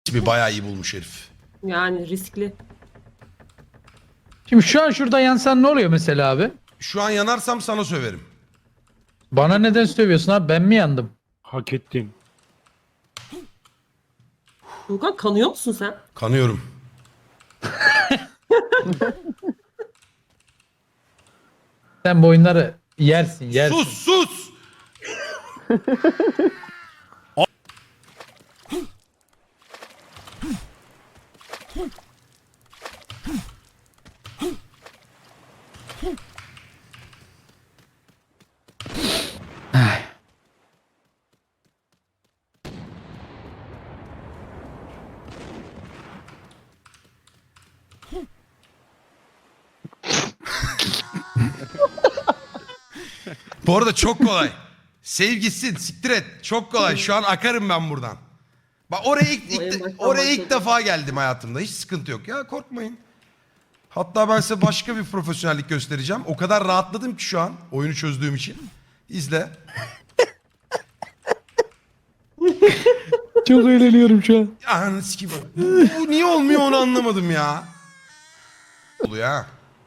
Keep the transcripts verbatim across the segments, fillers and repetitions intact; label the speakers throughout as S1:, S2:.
S1: Bir bayağı iyi bulmuş herif.
S2: Yani riskli.
S3: Şimdi şu an şurada yansan ne oluyor mesela abi?
S1: Şu an yanarsam sana söverim.
S3: Bana neden sövüyorsun abi? Ben mi yandım?
S4: Hak ettin.
S2: Furkan kanıyor musun sen?
S1: Kanıyorum.
S3: Sen bu oyunları yersin yersin.
S1: Sus sus! Bu arada çok kolay. Sevgisin, siktir et. Çok kolay. Şu an akarım ben buradan. Bak oraya ilk,
S2: Bu en
S1: ilk,
S2: baştan
S1: oraya ilk
S2: başladı.
S1: defa geldim hayatımda. Hiç sıkıntı yok ya, korkmayın. Hatta ben size başka bir profesyonellik göstereceğim. O kadar rahatladım ki şu an oyunu çözdüğüm için. İzle.
S3: Çok eğleniyorum şu an.
S1: Ananı sikeyim. Bu niye olmuyor onu anlamadım ya. Oluyor ha.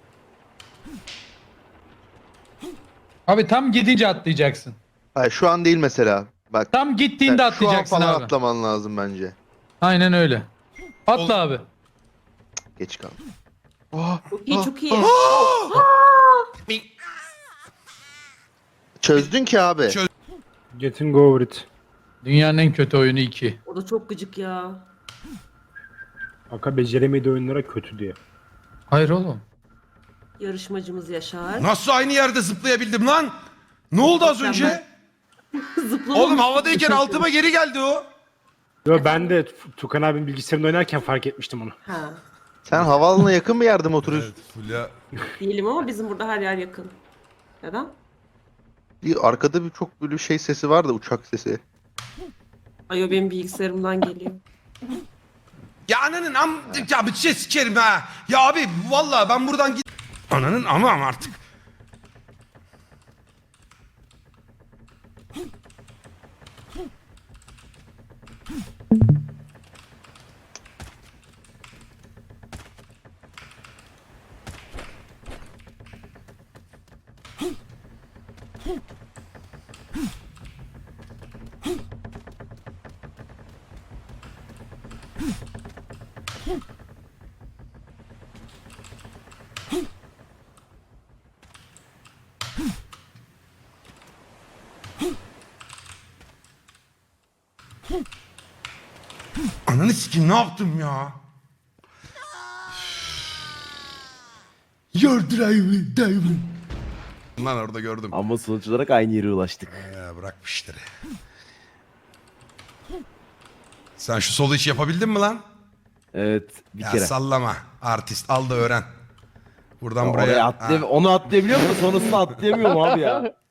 S3: Abi tam gidince atlayacaksın.
S5: Hayır şu an değil mesela. Bak.
S3: Tam gittiğinde
S5: yani şu an
S3: atlayacaksın
S5: falan
S3: abi.
S5: atlaman lazım bence.
S3: Aynen öyle. Atla
S1: Ol-
S3: abi.
S5: Geç kaldım. Oh,
S2: Çok iyi
S5: oh.
S2: çok iyi.
S5: Çözdün ki abi.
S1: Çöz-
S4: Getting over it.
S3: Dünyanın en kötü oyunu iki.
S2: O da çok gıcık ya.
S4: Aka beceremediği oyunlara kötü diye.
S3: Hayır oğlum.
S2: Yarışmacımız Yaşar.
S1: Nasıl aynı yerde zıplayabildim lan? Ne oldu az önce?
S2: Zıplamamış.
S1: Oğlum havadayken altıma geri geldi o.
S4: Yo ben de Tukan abinin bilgisayarında oynarken fark etmiştim onu.
S2: Ha.
S5: Sen havaalanına yakın bir yerde mi oturuyorsun?
S1: Fulya.
S2: Değilim ama bizim burada her yer yakın. Neden?
S5: Bir arkada bir çok böyle şey sesi var da uçak sesi.
S2: Ay o benim bilgisayarımdan geliyor.
S1: Ya ananın am... Ya bir şey sikerim ha. Ya abi vallahi ben buradan git... Ananın ama ama artık. Ananı sikeyim ne yaptım ya? Your driver, driver. Lan orada gördüm.
S6: Ama sonuç olarak aynı yere ulaştık.
S1: Ya bırakmıştır. Sen şu solu hiç yapabildin mi lan?
S6: Evet bir
S1: Ya
S6: kere.
S1: sallama. Artist al da öğren. Buradan
S6: Oraya
S1: buraya.
S6: atlayam
S1: Ha.
S6: onu atlayabiliyor musun? Sonrasını atlayamıyorum abi ya.